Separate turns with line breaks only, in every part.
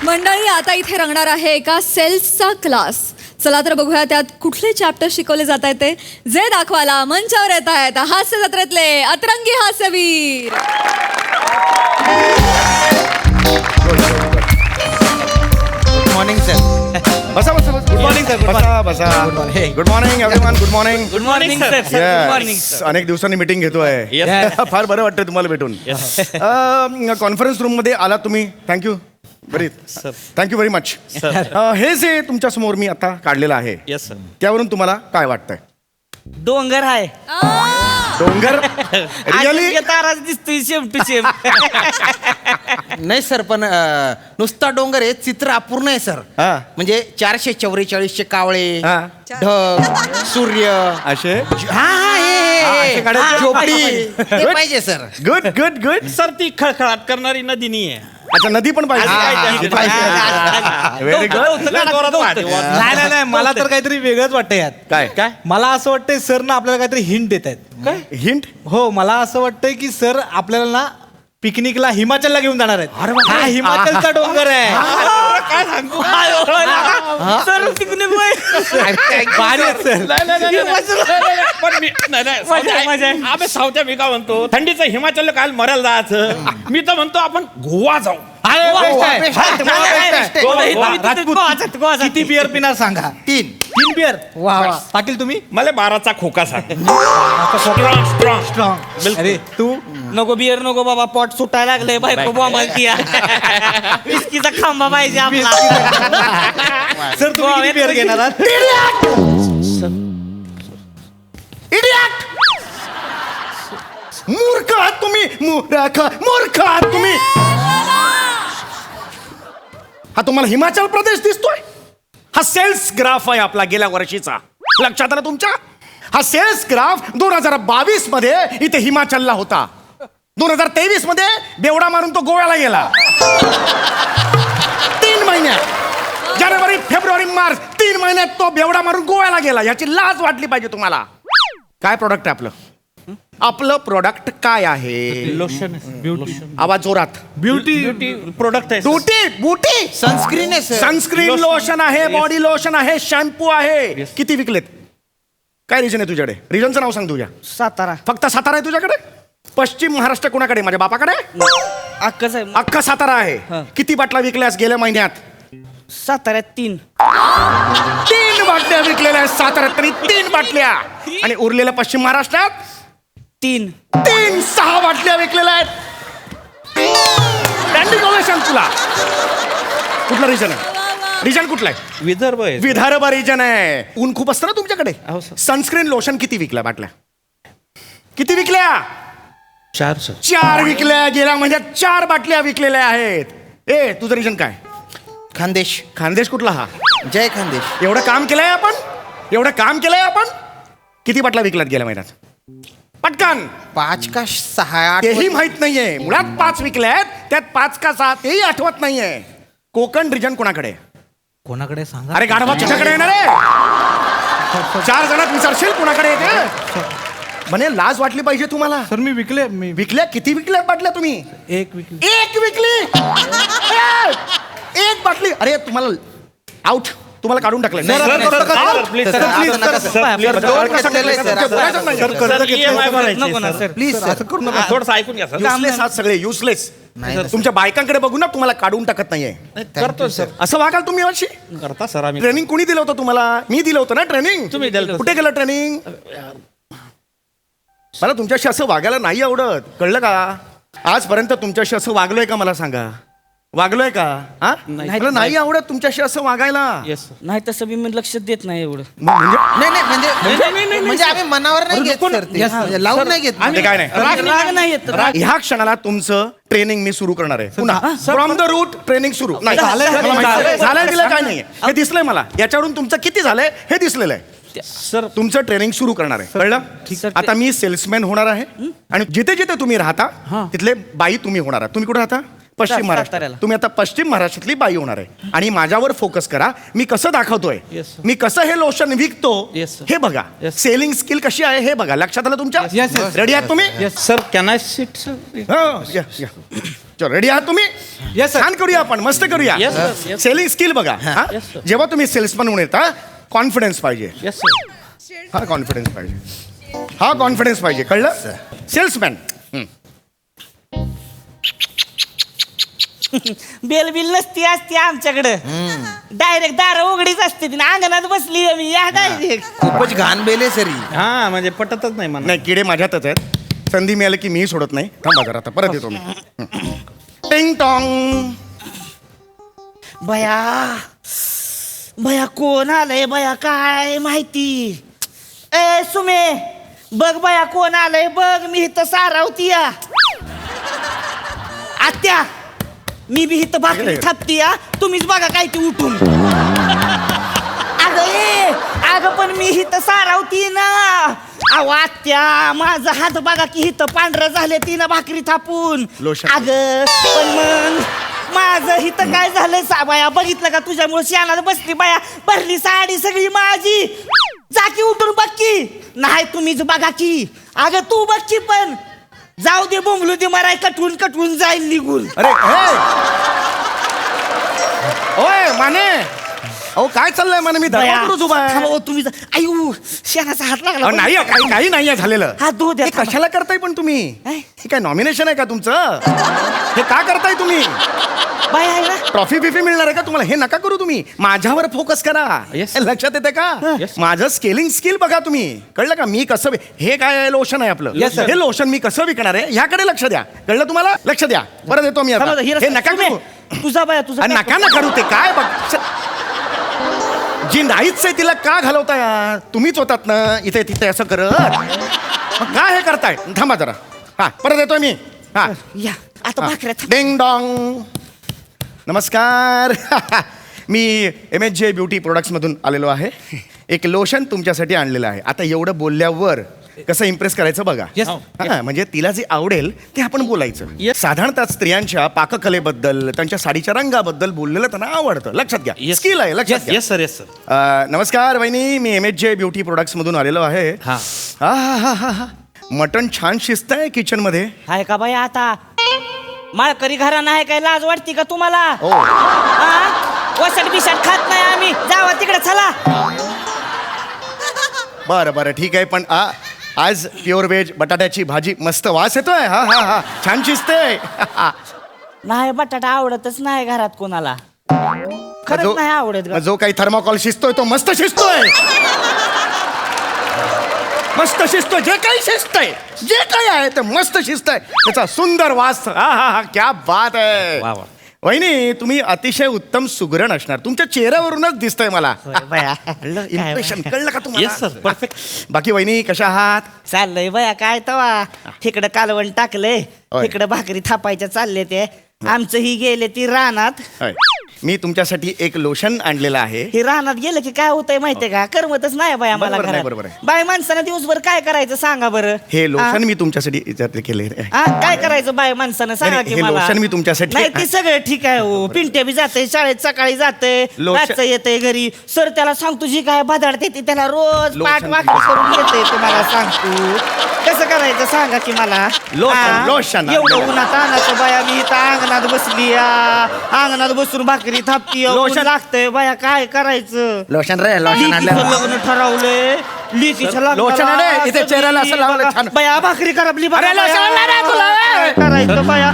मंडळी आता इथे रंगणार आहे एका सेल्सचा क्लास. चला तर बघूया त्यात कुठले चॅप्टर शिकवले जात आहेत ते. जे दाखवायला मंचावर येत आहेत हास्य जत्रेतले अतरंगी हास्यवीर.
Morning sir.
बसा बसा बसा.
Good morning sir.
बसा बसा. Good morning everyone. Good morning.
Good morning sir. Good morning sir.
अनेक दिवसांनी मीटिंग घेतोय. फार बरं वाटतं तुम्हाला भेटून. कॉन्फरन्स रूम मध्ये आला तुम्ही. Thank you very thank you very much. हे जे तुमच्या समोर मी आता काढलेलं आहे
येस सर.
त्यावरून तुम्हाला काय वाटतंय?
डोंगर आहे.
डोंगर रिअली
ताराच दिसतोय सेम टू सेम.
नाही सर, पण नुसता डोंगर आहे, चित्र अपूर्ण आहे सर.
हा.
म्हणजे 444 कावळे,
हा.
ढग, सूर्य,
असे
हा
असे काढायचे?
झोपडी ते पाहिजे sir.
Good good good.
Sir ती खळखळाट करणारी नदी नाही आहे.
अच्छा नदी पण पाहिजे. Very good.
नाही नाही, मला तर काहीतरी वेगळंच वाटतं यात.
काय
मला असं वाटतंय सर ना आपल्याला काहीतरी हिंट देत आहेत.
काय हिंट?
हो, मला असं वाटतंय की सर आपल्याला ना पिकनिकला हिमाचलला घेऊन जाणार आहेत. हा हिमाचलचा डोंगर आहे.
काय सांगू सर तिकडे
भारी आहेत सर.
पण मी आम्ही सावत्या मी का म्हणतो थंडीचं हिमाचल काल मरायला जायचं. मी तर म्हणतो आपण गोवा जाऊ.
किती बिअर पिणार सांगा?
3
बिअर. वा वा. पाटील तुम्ही?
मला 12चा खोका सांग. Strong strong
strong. अरे तू?
नको बियर नको बाबा, पोट सुटायला लागले. बायको बॉम्बलती विस्कीचा खांबा पाहिजे आपला.
सर तुम्ही किती बिअर घेणार आहात?
इडियट. मूर्ख आहात तुम्ही. मूर्ख आहात तुम्ही. हा तुम्हाला हिमाचल प्रदेश दिसतोय? हा सेल्स ग्राफ आहे आपला गेल्या वर्षीचा. लक्षात आलं तुमच्या? हा सेल्स ग्राफ 2022 मध्ये इथे हिमाचलला होता. 2023 मध्ये बेवडा मारून तो गोव्याला गेला. 3 महिन्यात जानेवारी फेब्रुवारी मार्च 3 महिन्यात तो बेवडा मारून गोव्याला गेला. याची लाज वाटली पाहिजे तुम्हाला. काय प्रोडक्ट आहे आपलं? आपलं प्रोडक्ट काय आहे?
लोशन.
आवाज जोरात.
ब्युटी प्रोडक्ट आहे.
बूटी
सनस्क्रीन आहे सर.
सनस्क्रीन लोशन आहे, बॉडी लोशन आहे, शॅम्पू आहे. किती विकलेत? काय रिजन आहे तुझ्याकडे? रिजनचं नाव सांग तुझ्या.
सातारा.
फक्त सातारा आहे तुझ्याकडे? पश्चिम महाराष्ट्र कोणाकडे? माझ्या बापाकडे.
अक्कच आहे.
अख्खा सातारा आहे. किती बाटला विकल्यास गेल्या महिन्यात?
साताऱ्यात 3
बाटल्या विकलेल्या आहेत साताऱ्यात. तरी 3 बाटल्या. आणि उरलेल्या पश्चिम महाराष्ट्रात
3
6 बाटल्या विकलेल्या आहेत. स्टँडिंग ओवेशन तुला. कुठला रिजन आहे? रिजन कुठला आहे?
विदर्भ आहे.
विदर्भ रिजन आहे. ऊन खूप असतं ना तुमच्याकडे.
हो, सर.
सनस्क्रीन लोशन किती विकल्या बाटल्या? किती विकल्या?
4 सर.
4 विकल्या. गेल्या महिन्यात 4 बाटल्या विकलेल्या आहेत. ए तुझं रिजन काय?
खानदेश.
खानदेश कुठला हा?
जय खानदेश.
एवढं काम केलंय आपण. किती बाटल्या विकल्यात गेल्या महिन्यात? पटकन.
5 का 6 8
तेही माहित नाहीये. मुळात 5 विकल्यात, त्यात 5 का 6 तेही आठवत नाहीये. कोकण रिजन कोणाकडे?
कोणाकडे सांगा?
अरे गाढवा तुझ्याकडे येणार आहे. 4 जणात विचारशील कोणाकडे येते? म्हणे लाज वाटली पाहिजे तुम्हाला.
सर मी विकले.
विकल्या? किती विकल्यात बाटल्या तुम्ही?
एक विकली.
1 विकली. 1 बाटली. अरे तुम्हाला आउट. तुम्हाला काढून टाकलं.
नको ना सर.
प्लीज असं करू नका.
थोडंसं ऐकून घ्या सर.
युजलेस आहात सगळे. युजलेस. तुमच्या बायकांकडे बघून ना तुम्हाला काढून टाकत नाहीये.
करतो सर.
असं वागाल तुम्ही वर्षी?
करता सर आम्ही.
ट्रेनिंग कोणी दिलं होतं तुम्हाला? मी दिलं होतं ना ट्रेनिंग.
तुम्ही दिलं होतं.
कुठे गेलं ट्रेनिंग? मला तुमच्याशी असं वागायला नाही आवडत. कळलं का? आजपर्यंत तुमच्याशी असं वागलोय का मला सांगा? वागलोय का? हा? मला नाही आवडत तुमच्याशी असं वागायला.
Yes sir.
नाही तसं मी लक्ष देत नाही एवढं.
म्हणजे
म्हणजे आम्ही मनावर नाही घेत सर ते. लावून नाही घेत.
ते काय नाही.
राग नाही येत.
ह्या क्षणाला तुमचं ट्रेनिंग मी सुरू करणार आहे. पुन्हा फ्रॉम द रूट ट्रेनिंग सुरू. नाही झालंय दिलं काय नाही. हे दिसलंय मला. याच्यावरून तुमचं किती झालंय हे दिसलेलं आहे.
सर
तुमचं ट्रेनिंग सुरू करणार आहे. कळलं? आता मी सेल्समॅन होणार आहे. आणि जिथे जिथे तुम्ही राहता तिथले बाई तुम्ही होणार आहात. तुम्ही कुठे राहता? पश्चिम महाराष्ट्र.
साताऱ्याला.
तुम्ही आता पश्चिम महाराष्ट्रातली बाई होणार आहे. आणि माझ्यावर फोकस करा. मी कसं दाखवतोय,
Yes, sir.
मी कसं हे लोशन विकतो
Yes, sir.
हे बघा.
Yes.
सेलिंग स्किल कशी आहे हे बघा. लक्षात आलं तुमच्या?
Yes, yes.
रेडी आहात तुम्ही?
Sir can I sit sir?
हो, या. रेडी आहात तुम्ही
Yes, sir.
छान करूया आपण मस्त करूया
Yes, sir. Yes.
Selling skill बघा हा?
Yes, sir.
जेव्हा तुम्ही सेल्समन म्हणून येता कॉन्फिडन्स पाहिजे
येस सर
हा कॉन्फिडन्स पाहिजे हा कॉन्फिडन्स पाहिजे कळलं सेल्समॅन
बेल बिल नसती असती आमच्याकडं डायरेक्ट दार उघडीच असते ती अंगणात बसली मी या डायरेक्ट
खूपच घाण बेले सर ही.
हा म्हणजे पटतच नाही मला
नाही किडे माझ्यातच आहेत संधी मिळाली की मीही सोडत नाही थांबा जरा आता परत येतो मी टिंग टॉंग
बया बया कोण आलंय बया काय माहिती ए सुमे बघ बया कोण आलंय बघ मी इथं सारावती या आत्या मी बी इथं भाकरी थापती या तुम्हीच बघा काय ती उठून अगं पण मी इथं सारावती ना अहो आत्या माझा हात बघा की इथं पांढरं झाले तिनं भाकरी थापून
लोशन.
अगं पण मग माझं इथं काय झालंय बाया बघितलं का तुझ्यामुळे शानाला बसली बाया भरली साडी सगळी माझी जा की उठून बघ की नाही तुम्हीच बघा की अगं तू बघ की पण जाऊ दे बोंबलू दे मराय कटवून कटवून जाईल निघून
अरे हे ओय माने अहो काय चाललंय माने मी
बया,
दरवाजावरच उभा आहे.
थांबा, ओ, तुम्ही आयु शेणाचा हात लागला
अहो, नाही काही नाही झालेलं
हात धुवू द्या,
हे
थांबा.
कशाला करताय पण तुम्ही
काय?
हे काय नॉमिनेशन आहे का तुमचं हे का करताय तुम्ही
बाय आहे ना
ट्रॉफी बिफी मिळणार आहे का तुम्हाला हे नका करू तुम्ही माझ्यावर फोकस करा
Yes.
हे लक्षात येते का
Yes.
माझं स्केलिंग स्किल बघा तुम्ही कळलं का मी कसं हे काय लोशन आहे आपलं
Yes, sir.
हे लोशन मी कसं विकणार आहे ह्याकडे लक्ष द्या कळलं तुम्हाला लक्ष द्या परत येतो मी आता
थांबा,
हे नका
सुमे,
करू
तुझा बाया तुझा
अरे नका ना करू ते काय बघ जी नाहीच आहे तिला का घालवताय यार? तुम्हीच होतात ना इथे तिथे असं करत मग काय हे करताय थांबा जरा हा परत येतोय मी हा
या आता भाकऱ्या थाप.
डिंग डॉंग नमस्कार मी MHJ ब्युटी प्रोडक्ट्समधून आलेलो आहे एक लोशन तुमच्यासाठी आणलेलं आहे आता एवढं बोलल्यावर कसं इम्प्रेस करायचं बघा
Yes.
हा, म्हणजे तिला जे आवडेल ते आपण बोलायचं
Yes.
साधारणतः स्त्रियांच्या पाककलेबद्दल त्यांच्या साडीच्या रंगाबद्दल बोललेलं त्यांना आवडतं लक्षात घ्या
Yes.
स्किल आहे लक्षात घ्या
येस सर येस सर
नमस्कार वहिनी मी MHJ ब्युटी प्रोडक्ट्समधून आलेलो आहे
हा.
हा मटण छान शिजत आहे किचन मध्ये
आहे का बाया आता माळकरी घराणं आहे काय लाज वाटते का तुम्हाला
हो
वसट बिसट खात नाही आम्ही जावा तिकडे चला
बरं ठीक आहे पण आज प्युअर व्हेज बटाट्याची भाजी मस्त वास येतोय हा छान शिजते
नाही बटाटा आवडतच नाही घरात कोणाला खरंच नाही आवडत ग.
जो काही थर्माकॉल शिजतोय तो मस्त शिजतोय मस्त शिजतोय जे काही शिजतंय जे काही आहे ते मस्त शिजतंय त्याचा सुंदर वास हा क्या बात आहे
वा, वा.
वहिनी तुम्ही अतिशय उत्तम सुगरण असणार तुमच्या चेहऱ्यावरूनच दिसतंय मला
होय बाया.
इम्प्रेशन कळलं का
येस सर
तुम्हाला
परफेक्ट
बाकी वहिनी कशा आहात
चाललंय बाया काय तवा तिकडं कालवण टाकलंय
होय.
तिकडं भाकरी थापायच्या चालले ते आमचं ही गेले ती रानात
होय. मी तुमच्यासाठी एक लोशन आणलेलं आहे
हे रानात गेलं की काय होतंय माहितीये का करमतच नाही बाया मला
बरोबर नाही,
घरात.
बरोबर आहे.
बाय माणसानं दिवसभर काय करायचं सांगा बरं
हे लोशन
हा?
मी तुमच्यासाठी इचार केले
हा काय करायचं बाय माणसानं सांगा
नाही,
की
हे
मला
लोशन मी तुमच्यासाठी-
नाही ते सगळं ठीक आहे हो पिंट्या बी जाते शाळेत सकाळी जाते
लोशन-
रातचं येते घरी सर त्याला सांगतो जी काय बदाडते ती त्याला रोज
लोशन
पाठ वाकडी करून येते तुम्हाला सांगतो कसं करायचं सांगा की मला
लोशन,
हा?
लोशन.
एवढं उन्हात आणायचं बाया मी इथं अंगणात बसली अंगणात बसून भाकरी थापती
लोशन.
लागतंय बाया काय करायचं
लोशन रे
लिकीचं लग्न ठरवलंय लिकीच्या
लोशन आहे रे, इथे चेहऱ्याला असं लावलं छान.
बाया भाकरी करपली बघा
अरे लोशन
बाया.
आणलं रे तुला.
काय करायचं बाया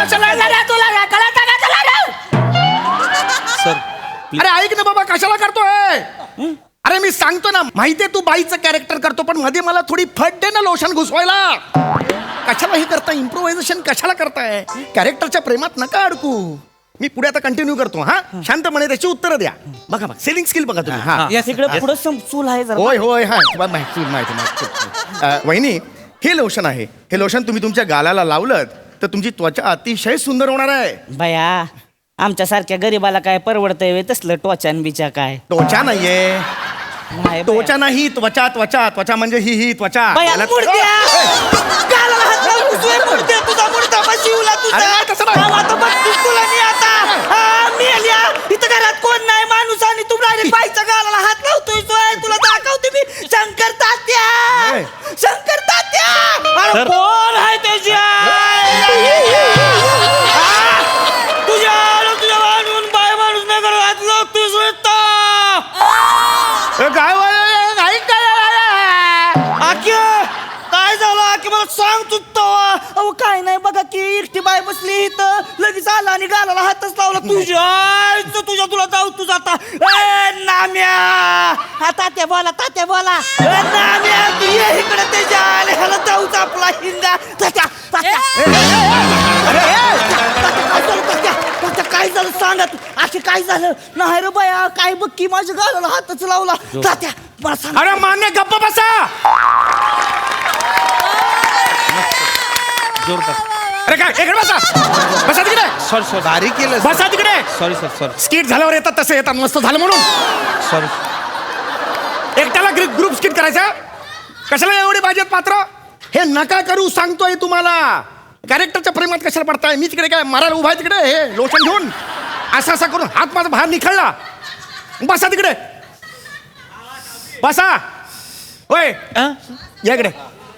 अरे ऐक ना बाबा कशाला करतोय अरे मी सांगतो ना माहितीये तू बाईचं कॅरेक्टर करतो पण मध्ये मला थोडी फट दे ना लोशन घुसवायला कशाला हे करताय इम्प्रोव्हायझेशन कशाला करताय कॅरेक्टरच्या प्रेमात नका अडकू मी पुढे आता कंटिन्यू करतो हा शांतपणे त्याची उत्तरं द्या बघा सेलिंग स्किल बघा तुम्ही हा
तिकडे पुढे चूल आहे जरा
होय हा माहिती वहिनी हे लोशन आहे हे लोशन तुम्ही तुमच्या गालाला लावलं तर तुमची त्वचा अतिशय सुंदर होणार आहे
बाया आमच्या सारख्या गरीबाला काय परवडतंय वे तसलं टोचान बिचा काय
त्वचा नाहीये
नाही बाया.
त्वचा नाही त्वचा म्हणजे ही त्वचा
बाया,
याला-
मुडद्या! गालाला हात लावून घुसतोय, मुडद्या, तुझा मुडदा बा जीवला तुझा.
अरे नाही, तसं नाही.
हा, आता बघतोस तुला मी आता. हा, मेल्या. इथं घरात कोण नाही माणूस आणि तू डायरेक्ट बाईच्या गालाला हात लावतोय सोय. तुला दाखवते मी शंकर तात्या
ए.
शंकर तात्या अरे कोण आहे त्याची आई? सांगतो तो अहो काय नाही बघा की एकटी बाय बसली इथं लगेच आला आणि गालाला हातच लावला तुझ्या तुला जाऊ तुझा आता ए, नाम्या हा तात्या बोला ए, नाम्या तू ये इकडे त्याच्या आले ह्याला जाऊच आपला हिंगा तात्या काय झालं सांगा तू असे काय झालं नाही रे बाया काय बघ की माझ्या गालाला हातच लावला तात्या मला सांग
अरे मान्य गप्प बसा. अरे काय इकडे बसा. बसा तिकडे.
सॉरी भारी केलं
बसा तिकडे.
सॉरी सॉरी
स्किट झाल्यावर येतात तसे येतात मस्त झालं म्हणून.
सॉरी
एकट्याला ग्रुप स्किट करायचा कशाला एवढे पाहिजेत पात्र. हे नका करू सांगतोय तुम्हाला. कॅरेक्टरच्या प्रेमात कशाला पडताय. मी तिकडे काय मारायला उभा आहे तिकडे हे लोशन घेऊन असा करून हात माझा बाहेर निखळला. बसा तिकडे बसा. होय या इकडे.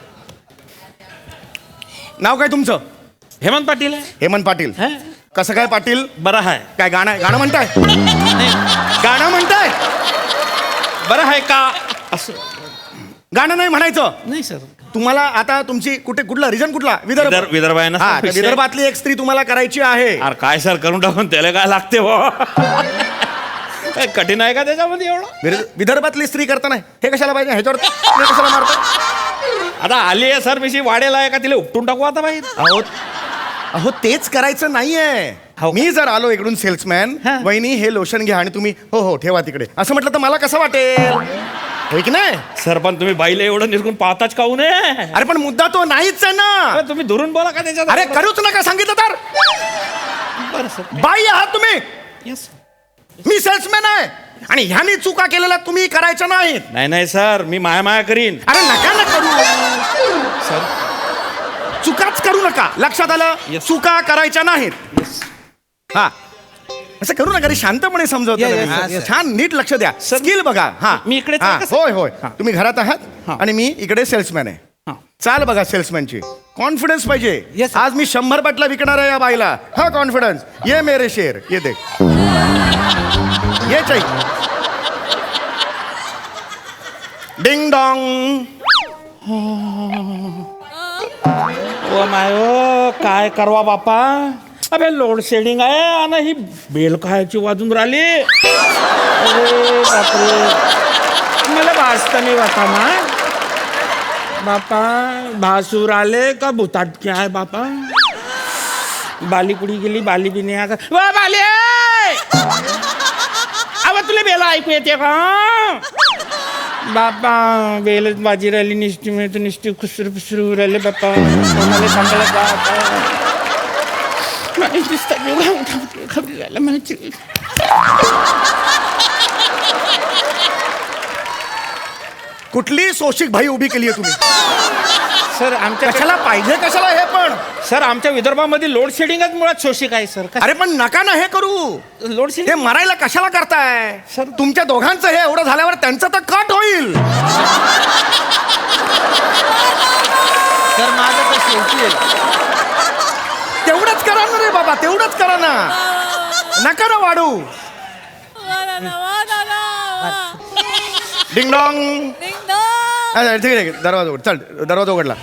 नाव काय तुमचं.
हेमंत पाटील आहे.
हेमंत पाटील.
हा?
कसं काय पाटील.
बरं आहे.
काय गाणं म्हणताय. गाणं म्हणताय.
बरं आहे का असं
गाणं नाही म्हणायचं.
नाही सर.
तुम्हाला आता तुमची कुठला रिजन कुठला.
विदर्भ आहे ना
हा
सर,
त्या
विषय.
विदर्भातली एक स्त्री तुम्हाला करायची आहे.
अरे काय सर करून टाकून त्याला काय लागते हो. काय कठीण आहे का त्याच्यामध्ये एवढं.
विदर्भातली स्त्री करताना हे कशाला पाहिजे ह्याच्यावर हे कशाला मारता.
आता आली आहे सर मिशी वाढेल आहे का तिला उपटून टाकू आता बाहेर.
अहो तेच करायचं नाहीये. मी जर आलो इकडून सेल्समॅन वहिनी हे लोशन घ्या आणि तुम्ही हो ठेवा तिकडे असं म्हटलं तर मला कसं वाटेल. होय की नाही.
सर पण तुम्ही बाईला एवढं निरकून पाहताच काहू नये.
अरे पण मुद्दा तो नाहीच आहे ना.
तुम्ही दुरून बोला का त्याच्यात.
अरे करूच नका सांगितलं तर.
बरं सर.
बाई आहात तुम्ही.
येस.
मी सेल्समॅन आहे आणि ह्यानी चुका केलेल्या तुम्ही करायच्या नाहीत.
नाही सर मी माया करीन.
अरे नका ना करू.
सर
चुकाच करू नका. लक्षात आलं.
Yes.
चुका करायच्या नाहीत. हा असं करू नका रे. शांतपणे समजवतो
Yes,
ना मी.
yes,
छान नीट लक्ष द्या. स्किल बघा. हा
मी इकडेच
हा,
आहे का, सर?
होय तुम्ही घरात आहात आणि मी इकडे सेल्समॅन आहे. चाल बघा सेल्समॅनची कॉन्फिडन्स पाहिजे.
Yes, sir.
आज मी 100 बाटल्या विकणार आहे या बाईला. हा कॉन्फिडन्स. ये मेरे शेर ये देख ये चाहिए. Ding dong.
ओ मायो काय करवा बापा. अबे लोड शेडिंग आहे आणि ही बेल खायची वाजून राहिली. अरे बापरे मला भासता नाही बापा ना. बापा भासूर आले का भुताटके आहे बापा. बाली कुडी गेली बाली बी नाही आता. वा बाली अव तुला बेला ऐकू येते का. बापा बेलच बाजी राहिली निष्ठी मिळतो निष्ठी खुसरू फुसरू राहिले बापा. कोणाला सांगायला जात खबरी राहिला म्हणायची.
कुठली सोशिक भाई उभी केली आहे तुम्ही.
सर आमच्या
कशाला पाहिजे कशाला हे पण.
सर आमच्या विदर्भामध्ये लोड शेडिंगच मुळात शोषिक आहे सर.
अरे पण नका ना हे करू.
लोड
हे
शेडिंग
मरायला कशाला करताय.
सर.
तुमच्या दोघांचं हे एवढं झाल्यावर त्यांचं तर कट होईल.
सर माझं तर शेवटी आहे.
तेवढंच करा ना रे बाबा. तेवढंच करा ना. नका ना वाढू. Ding dong. ठीक आहे दरवाजा उघड. चल दरवाजा उघडला.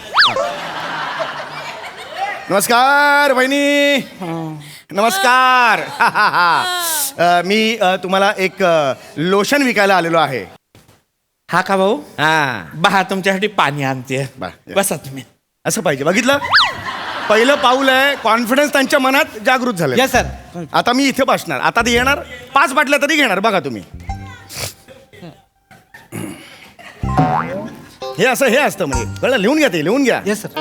नमस्कार बहिणी. नमस्कार. मी तुम्हाला एक लोशन विकायला आलेलो आहे.
हा का भाऊ.
हा
बहा तुमच्यासाठी पाणी आणते.
बरं.
बसा तुम्ही.
असं पाहिजे. बघितलं पहिलं पाऊल आहे. कॉन्फिडन्स त्यांच्या मनात जागृत झालं.
Yes sir.
आता मी इथे बसणार. आता ते येणार 5 बाटल्या तरी घेणार. बघा तुम्ही हे असतं म्हणजे कळलं. लिहून घ्या. ते लिहून घ्या.
Yes sir.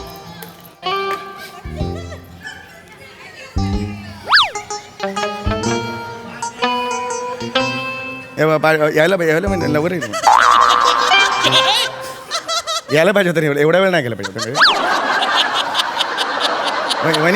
यायला म्हणजे लवकर यायला पाहिजे तरी एवढा वेळ नाही गेला पाहिजे. वहिनी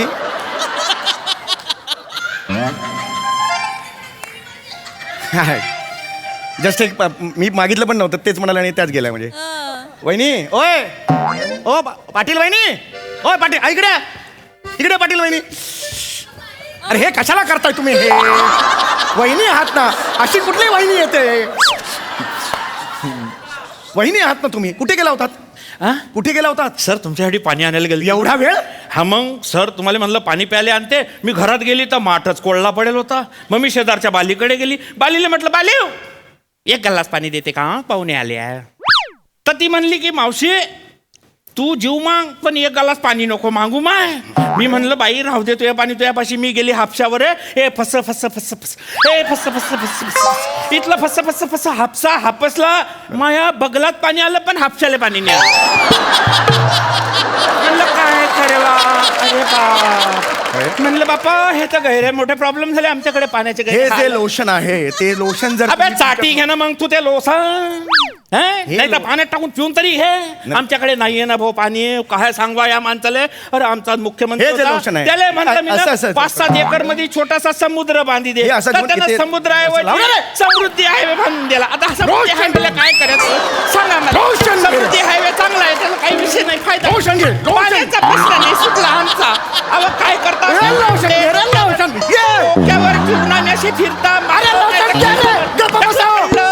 जस्ट एक मी मागितलं पण नव्हतं तेच म्हणाले आणि त्याच गेल्या म्हणजे. वहिनी ओय ओ पाटील वहिनी. ओय पाटील इकडे इकडे पाटील वहिनी. अरे हे कशाला करताय तुम्ही हे. वहिनी आहात ना. अशी कुठली वहिनी येते. वहिनी आहात ना तुम्ही. कुठे गेला होतात.
हा?
कुठे गेला होतात
सर तुमच्यासाठी पाणी आणायला गेली
एवढा वेळ
हा मग सर तुम्हाला म्हणलं पाणी प्यायला आणते मी घरात गेली तर माठच कोळला पडेल होता मग मी शेजारच्या बालीकडे गेली बालीला म्हटलं बालीव एक गल्लास पाणी देते का पाहुणे आले आहे तर ती म्हणली की मावशी तू जीव माग पण एक गलास पाणी नको मागू माय मी म्हणलं बाई राहू दे तुझ्या पाणी तुझ्यापाशी मी गेली हापशावर ए फस फस फस फस ए फस फस फस फस इथलं फस फस फस हापसा हापसला माया बगलात पाणी आलं पण हापशाला पाणी नाही आलं म्हणलं काय करेला अरे बाप म्हणलं बापा हे तर गैरे मोठे प्रॉब्लेम झाले आमच्याकडे पाण्याचे
हे
गैरे
जे लोशन आहे ते लोशन जर
अबे
तुम्ही-
चाटी घे ना मग तू ते लोसन नाही तर पाण्यात टाकून पिऊन तरी हे आमच्याकडे नाहीये ना भाऊ पाणी काय सांगवा या माणसाले अरे आमचा मुख्यमंत्री
हे जे
होता,
लोशन आहे.
त्याला म्हणलं मी
असं- असं-
5-7 एकर मध्ये छोटासा समुद्र बांधी दे
हे असं
तर
घेऊन
त्यानं
इथे-
समुद्र
असं लावलं
आहे
रे.
समृद्धी हायवे बांधून दिला आता समृद्धी
रोशन.
हायवेला काय करायचं सांगा मला
रोशन.
समृद्धी हायवे चांगला आहे त्याला काही विषय नाही फायदा
रोशन घे, रोशन.
पाण्याचा प्रश्न नाही सुटला आमचा अहो काय करता
हे लोशन घे, रे लोशन. ये.
डोक्यावर फिरून आणि असे फिरता
अरे लोशन घे रे. गप्प बसा.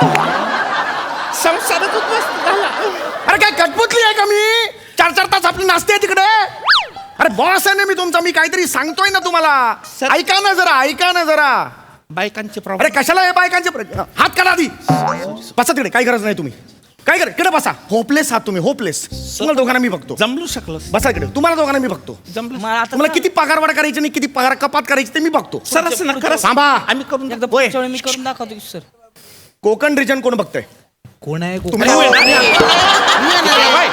संसारात उद्ध्वस्त झाला
अरे काय कटपुतली आहे का मी 4-4 तास आपली नाचते तिकडे अरे बॉस आहे ना मी तुमचा मी काहीतरी सांगतोय ना तुम्हाला
सर-
ऐका ना जरा
बायकांचे
अरे
प्रॉब्लेम
कशाला हे बायकांचे हात काढा आधी बसा तिकडे काही गरज नाही तुम्ही काय कर तिकडे बसा होपलेस आहात तुम्ही होपलेस तुम्हाला दोघांना मी बघतो
जमलू शकलो
बसा इकडे तुम्हाला दोघांना मी बघतो
जमलं
मला आता
तुम्हाला किती पगारवाढ करायची आणि किती पगार कपात करायची ते मी बघतो
सर असं नका
थांबा.
आम्ही करून
एकदा
होय.
पुढच्या वेळी मी करून दाखवतो की सर
कोकण रिजन कोण बघतंय
कोण आहे
तुम्ही
अरे, अरे, बाय.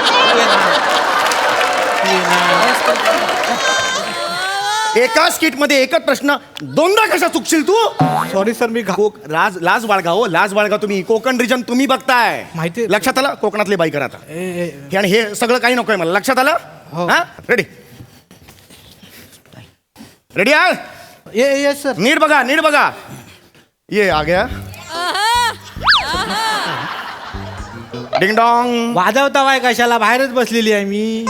एका स्किट मध्ये एकच प्रश्न दोनदा कशा चुकशील तू
सॉरी सर मी
लाज बाळगा हो लाज बाळगा तुम्ही कोकण रिजन तुम्ही बघताय
माहिती-
लक्षात आलं कोकणातले बाईक आता हे आणि हे सगळं काही नकोय मला लक्षात आलं
हो.
हा रेडी रेडी आहे
ये सर
नीट बघा ये आ गया डिंग डॉंग
वाजवता वाय कशाला बाहेरच बसलेली आहे मी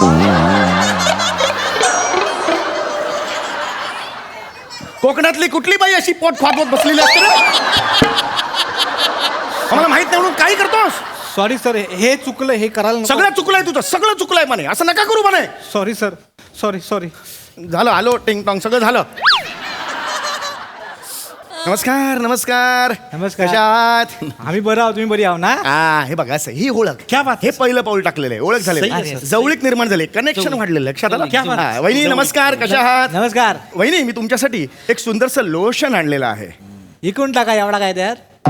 कोकणातली कुठली बाई अशी पोट फाटवत बसलेली असते रे? आम्हाला माहित नाही म्हणून काही करतोस
सॉरी सर हे चुकलं हे करायला
सगळं चुकलंय तुझं सगळं चुकलंय म्हणे असं नका करू म्हणे
सॉरी सर सॉरी
झालं आलो टिंग टॉंग सगळं झालं नमस्कार
नमस्कार.
कशा आहात
आम्ही बरं आहोत तुम्ही बरी आहो ना
हे बघा असं ही ओळख
क्या बात
हे पहिलं पाऊल टाकलेलं आहे ओळख
सही
झाली
आहे, सर.
जवळीक निर्माण झाली कनेक्शन वाढलेलं लक्षात आलं
क्या बात.
हा, वहिनी नमस्कार कशा आहात
नमस्कार
वहिनी मी तुमच्यासाठी एक सुंदरसं लोशन आणलेलं आहे
इकडून टाका एवढा काय त्यात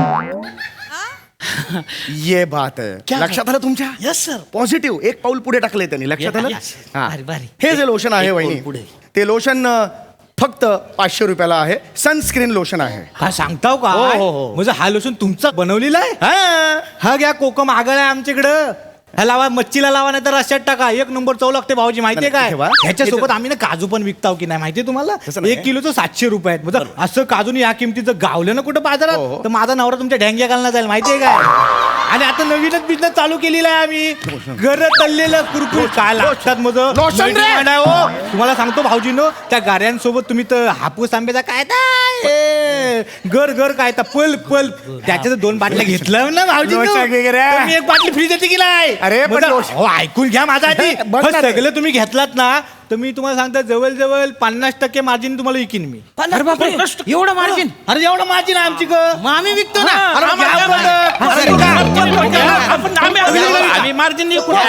ये बात आहे.
क्या
लक्षात आलं तुमच्या
यस सर
पॉझिटिव्ह एक पाऊल पुढे टाकले त्यांनी लक्षात आलं
Yes.
हा.
भारी, भारी.
हे जे लोशन आहे
एक पाऊल
वहिनी
पुढे.
ते लोशन फक्त 500 रुपयाला आहे सनस्क्रीन लोशन आहे
हा सांगताव का
हो, हो, हो.
म्हणजे हा लोशन तुमचा बनवलेला आहे
हा.
हा घ्या कोकम आगळ आहे आमच्याकडं ह्या लावा मच्छीला लावा नाही तर रश्यात टाका एक नंबर चव लागते भाऊजी माहितीये
नाही,
काय
ठेवा.
ह्याच्यासोबत आम्ही ना काजू पण विकताव की नाही माहितीये तुम्हाला
तसं नाही.
1 किलोचं 700 रुपये आहेत म्हणजे असं काजून या किमतीचं गावलं ना कुठं
हो, हो.
बाजारात तर माझा नवरा तुमच्या ढँग्या घालणार जाईल माहितीये काय आणि आता नवीनच बिझनेस चालू केलेला आहे आम्ही घर तळलेलं कुरकुर काय लागतात मग
लोशन रे!
तुम्हाला सांगतो भाऊजीनो त्या गाड्यांसोबत तुम्ही तर हापूस आंब्याचा काय घर घर काय पल पल त्याच्या 2 बाटल्या घेतलं ना भाऊजी
लोशन वगैरे.
एक बाटली फ्रीज येते की नाही
अरे, पण
मतलब,
लोशन-
हो ऐकून घ्या माझा आधी
बघ ना रे.
सगळं तुम्ही घेतलात ना तर मी तुम्हाला सांगतो जवळ 50% मार्जिन तुम्हाला विकीन मी
अरे बापरे एवढं मार्जिन
अरे एवढं मार्जिन आहे आमची ग
मग आम्ही विकतो ना
अरे
आम्हाला
घ्या बरं.
अरे,
अरे,
काय?
घ्या.
आम्ही मार्जिन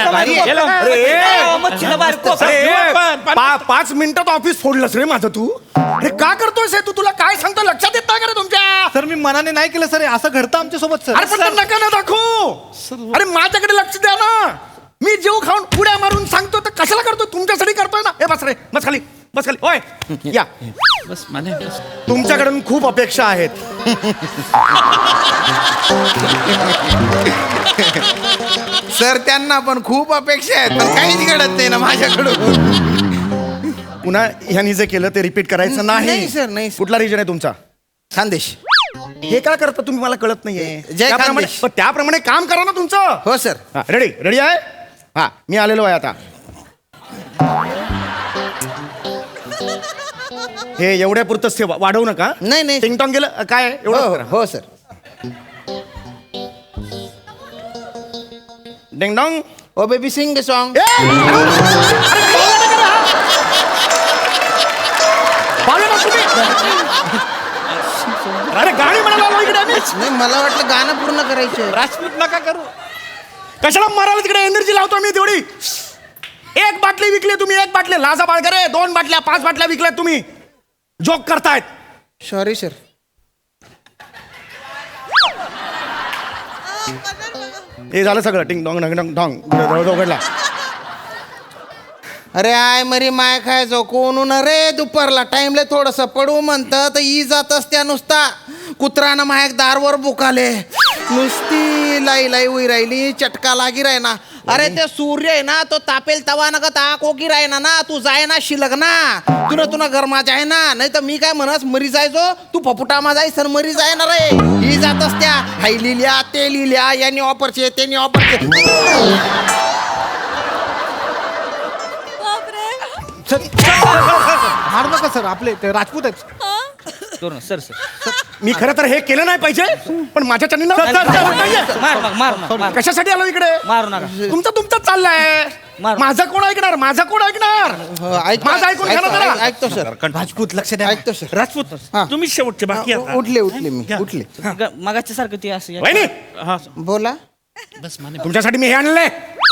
मच्छीला बाहेर कोक.
5 मिनिटात ऑफिस फोडलंस रे माझं तू अरे का करतोयस हे तू तुला काय सांगतो लक्षात येत नाही का रे तुमच्या
सर मी मनाने नाही केलं सर असं घडतं आमच्या सोबत
अरे
सर
पण ते नका ना दाखवू अरे माझ्याकडे लक्ष द्या ना मी जीव खाऊन उड्या मारून सांगतो तर कशाला करतो तुमच्यासाठी करतोय ना हे बस रे बस खाली होय या
बस मला
तुमच्याकडून खूप अपेक्षा आहेत
सर त्यांना पण खूप अपेक्षा आहेत पण काहीच घडत नाही ना माझ्याकडून
पुन्हा ह्यांनी जे केलं ते रिपीट करायचं नाही
नाही, sir, नाही, sir.
कुठला रिजन आहे तुमचा
खानदेश
हे काय करता तुम्ही मला कळत नाहीये
जय
त्याप्रमाणे
खानदेश.
पण त्याप्रमाणे काम करा ना तुमचं
हो सर
रेडी आहे हा मी आलेलो आहे आता हे एवढ्या पुरतच ते वाढवू नका
नाही, नाही.
टिंगटॉंग गेलं काय
हो
एवढं
हो sir
ding dong
oh baby sing song.
अरे गाणी म्हणायला आलो इकडे आम्ही.
नाही मला वाटलं गाणं पूर्ण करायचं.
राजपूत नका करू.
कशाला मारायला तिकडे एनर्जी लावतो मी तेवढी. एक बाटली विकली तुम्ही, एक बाटली लाजा बाळगरे, 2 बाटल्या 5 बाटल्या विकल्या तुम्ही. जोक करतायत.
Sorry sir.
हे झालं सगळं. टिंग डॉंग डंग डंग डॉंग उघडला.
अरे आय मरी माय खायचो कोण रे दुपारला टाइमले थोडस पडू म्हणतं तर ई जातच त्या नुसता कुत्रानं मायक दारवर बुकाले नुसती लाई लाई उई राहिली चटका लागी राहिना. अरे ते सूर्य आहे ना तो तापेल तवा नका ता कोकी राहिना ना तू जाय ना शिलग ना तुला गरमा जाय ना. नाही तर मी काय म्हणस मरी जायचो तू फपुटामा जाय सर मरी जाय ना रे. ही जातच त्या हाई लिहिल्या ते लिहिल्या यांनी ऑफरचे त्यांनी ऑफरचे.
मारू नका सर, आपले ते राजपूत आहेत.
सर सर
मी खरं तर हे केलं नाही पाहिजे पण माझ्या चॅनलला कशासाठी आलो इकडे.
मारू नका.
तुमचं चाललंय. माझं कोण ऐकणार, माझं कोण ऐकणार. माझं ऐकून घ्या ना जरा.
ऐकतो सर.
राजपूत लक्ष द्या.
ऐकतो सर.
राजपूत तुम्ही शेवटचे बाकी आता.
उठले मी उठले.
मगाच्या सारखं ते असं
वहिनी
हा.
बोला.
तुमच्यासाठी मी हे आणलंय.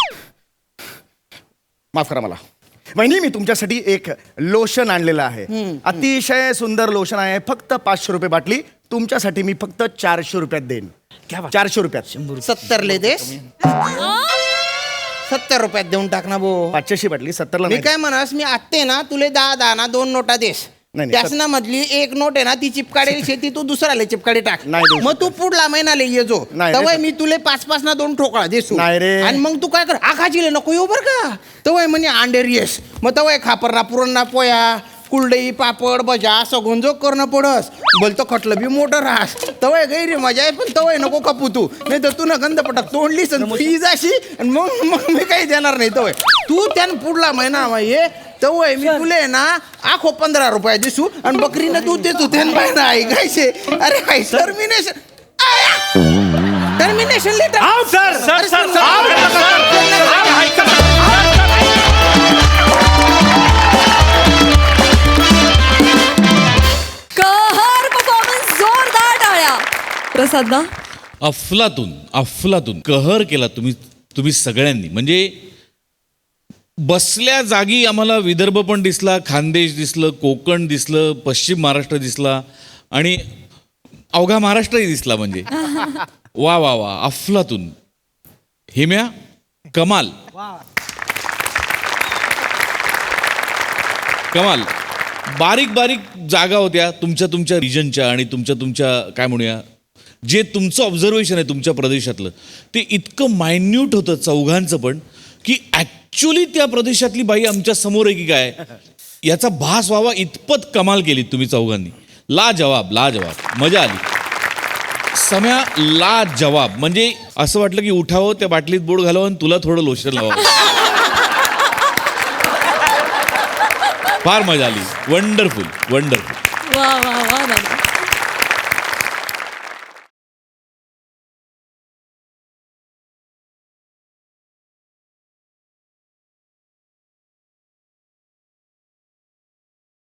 माफ करा मला. वहिनी मी तुमच्यासाठी एक लोशन आणलेलं आहे. अतिशय सुंदर लोशन आहे. फक्त 500 रुपये बाटली. तुमच्यासाठी मी फक्त 400 रुपयात देईन. 400 रुपयात.
70 ले देस. 70 रुपयात देऊन टाक ना भो.
500ची बाटली 70ला
मी
नाही.
काय म्हणस मी आत्ते ना तुले 10 ना 2 नोटा देस.
नाही, नाही,
त्यासना मधली एक नोट आहे ना ती चिपकाडेल शेती तू दुसऱ्याला चिपकाडे टाक.
नाही देऊ
मग तू पुढला महिनाले ये जो
नाही,
तवय
नाही.
मी तुले 5 ना 2 ठोकळा देसू.
नाही रे.
आणि मग तू काय कर आखाजीले नको येऊ बर का. तवय म्हणे अंडेर येस. मग तवय खापर ना पुरण ना पोया कुलडई पापड भजा सगुंजो करणं पडस. बोलतो खटलं बी मोठं राहस. तवय गैरी मजा आहे पण तवय नको कपू तू. नाही तर तू ना गंध पटक तोंडलीस फी जाशी आणि मग मी काही देणार नाही. तवय तू त्यानं पुढला महिना ये तवय मी तुले ना आखो 15 रुपये दिसू आणि बकरीनं दूध देतो त्यानं बाय ना ऐकायचे. अरे काय termination letter.
Sir sir sir
कहर परफॉर्मन्स, जोरदार टाळ्या. प्रसाद ना
अफलातून कहर केला तुम्ही सगळ्यांनी. म्हणजे बसल्या जागी आम्हाला विदर्भ पण दिसला, खानदेश दिसलं, कोकण दिसलं, पश्चिम महाराष्ट्र दिसला आणि अवघा महाराष्ट्रही दिसला. म्हणजे वा वा वा अफलातून. हेम्या कमाल कमाल. बारीक बारीक जागा होत्या तुमच्या रिजनच्या आणि तुमच्या काय म्हणूया जे तुमचं ऑब्झर्वेशन आहे तुमच्या प्रदेशातलं ते इतकं मायन्यूट होतं चौघांचं पण की ॲक्च्युली त्या प्रदेशातली बाई आमच्या समोर आहे की काय याचा भास व्हावा इतपत कमाल केली तुम्ही चौघांनी. लाजवाब मजा आली. सम्या लाजवाब. म्हणजे असं वाटलं की उठावं त्या बाटलीत बोट घालावं आणि तुला थोडं लोशन लावावं. फार मजा आली. वंडरफुल.
वा वा वा दादा.